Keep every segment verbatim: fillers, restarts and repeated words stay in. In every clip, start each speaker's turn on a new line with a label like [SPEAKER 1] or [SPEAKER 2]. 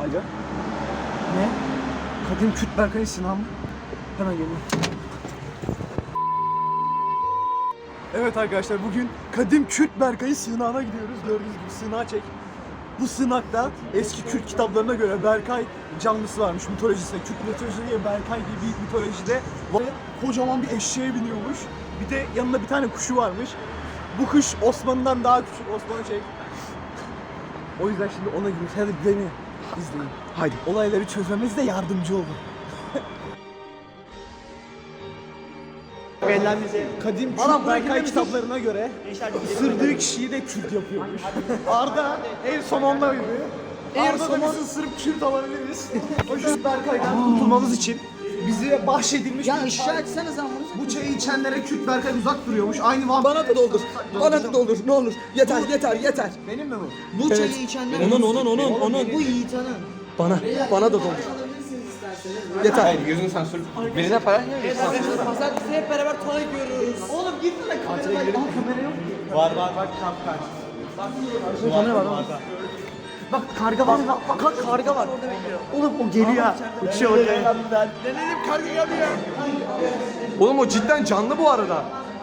[SPEAKER 1] Alo. Ne? Kadim Kürt Berkay Sinan mı? Hemen geliyorum. Evet arkadaşlar, bugün Kadim Kürt Berkay'ı sığınağına gidiyoruz. Gördüğünüz gibi sığınağa çek. Bu sığınakta eski Kürt kitaplarına göre Berkay canlısı varmış mitolojisinde. Kürt mitolojide Berkay gibi büyük mitolojide kocaman bir eşeğe biniyormuş. Bir de yanında bir tane kuşu varmış. Bu kuş Osman'dan daha küçük. Osman'ı çek. O yüzden şimdi ona gidiyoruz. Hadi beni izleyin. Haydi. Olayları çözmemizde yardımcı olun.
[SPEAKER 2] Bellenmesi.
[SPEAKER 1] Kadim Kürt Berkay kitaplarına göre ısırdığı kişiyi de Kürt yapıyormuş. Arda en son ondaydı. Arda da bizi ısırıp Kürt alabiliriz. O yüzden Berkay'dan kurtulmamız için bize bahşedilmiş
[SPEAKER 2] Ya
[SPEAKER 1] bir ışığı
[SPEAKER 2] ışığı açsanız bunu.
[SPEAKER 1] Bu çayı içenlere Kürt Berkay uzak duruyormuş. Aynı vampir.
[SPEAKER 3] Bana da doldur. Bana da doldur. Ne olur. Yeter, yeter, yeter.
[SPEAKER 1] Benim mi bu?
[SPEAKER 2] Bu
[SPEAKER 3] Evet.
[SPEAKER 2] çayı içenler.
[SPEAKER 3] Onun, onun, onun, onun.
[SPEAKER 2] Bu Yiğitan'ın.
[SPEAKER 3] Bana, bana da doldur. Yeter.
[SPEAKER 4] Hayır, gözünü sansür. Birine para niye veriyorsun?
[SPEAKER 2] Pazartesi hep beraber tuvalet yiyoruz. Oğlum gitme de kameraya bak. Kamera yok.
[SPEAKER 4] Var var bak kamp kaç.
[SPEAKER 1] Kamera var.
[SPEAKER 2] Bak karga var. Bak bak bak karga var. Orada bekliyor. Oğlum o geliyor. Uçuyor oraya. Denedim karga geliyor.
[SPEAKER 4] Oğlum o cidden canlı bu arada.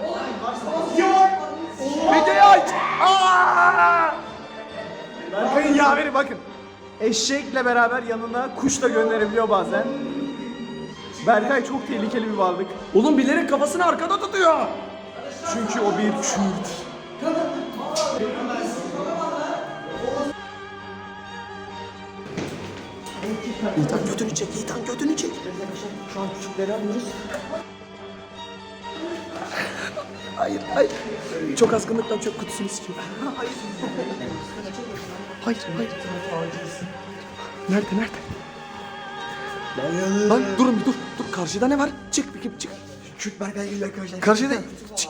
[SPEAKER 4] Videoyu aç. Aa!
[SPEAKER 1] Berkay'ın yaveri bakın. Eşekle beraber yanına kuş da gönderebiliyor bazen. Berkay çok tehlikeli bir varlık.
[SPEAKER 4] Oğlum bilerek kafasını arkada tutuyor.
[SPEAKER 1] Çünkü o bir Kürt.
[SPEAKER 3] İtan götünü çek, İtan götünü çek.
[SPEAKER 2] Şu an küçükleri alıyoruz.
[SPEAKER 3] Hayır, hayır. Çok azgınlıktan çöp kutusunu istiyor. Hayır. Hayır, hayır. Nerede, nerede? Lan durun bir dur. Dur, karşıda ne var? Çık bir çık.
[SPEAKER 2] Kürt Berkay geliyor arkadaşlar.
[SPEAKER 3] Karşıda çık.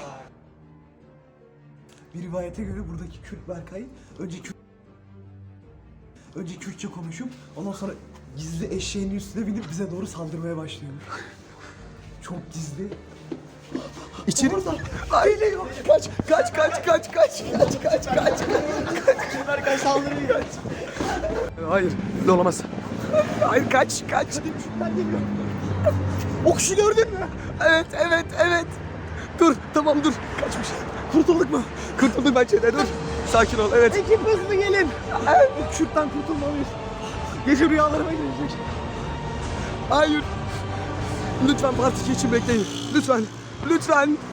[SPEAKER 1] Bir rivayete göre buradaki Kürt Berkay önce Kürt önce Kürtçe konuşup ondan sonra gizli eşeğinin üstüne binip bize doğru saldırmaya başlıyormuş. Çok gizli.
[SPEAKER 3] İçeri. Aile yok. Kaç, kaç, kaç, kaç, kaç, kaç, kaç, kaç.
[SPEAKER 1] Kürt Berkay saldırıyor.
[SPEAKER 3] Hayır, öyle olamaz. Hayır, kaç, kaç.
[SPEAKER 1] O kuşu gördün mü?
[SPEAKER 3] Evet, evet, evet. Dur, tamam dur. Kaçmış. Kurtulduk mu? Kurtulduk bence de, dur. Sakin ol, evet.
[SPEAKER 1] Ekip hızlı gelin. Evet. Kürt'ten kurtulmalıyız. Gece rüyalarıma gelecek.
[SPEAKER 3] Hayır. Lütfen part iki için bekleyin. Lütfen. Lütfen.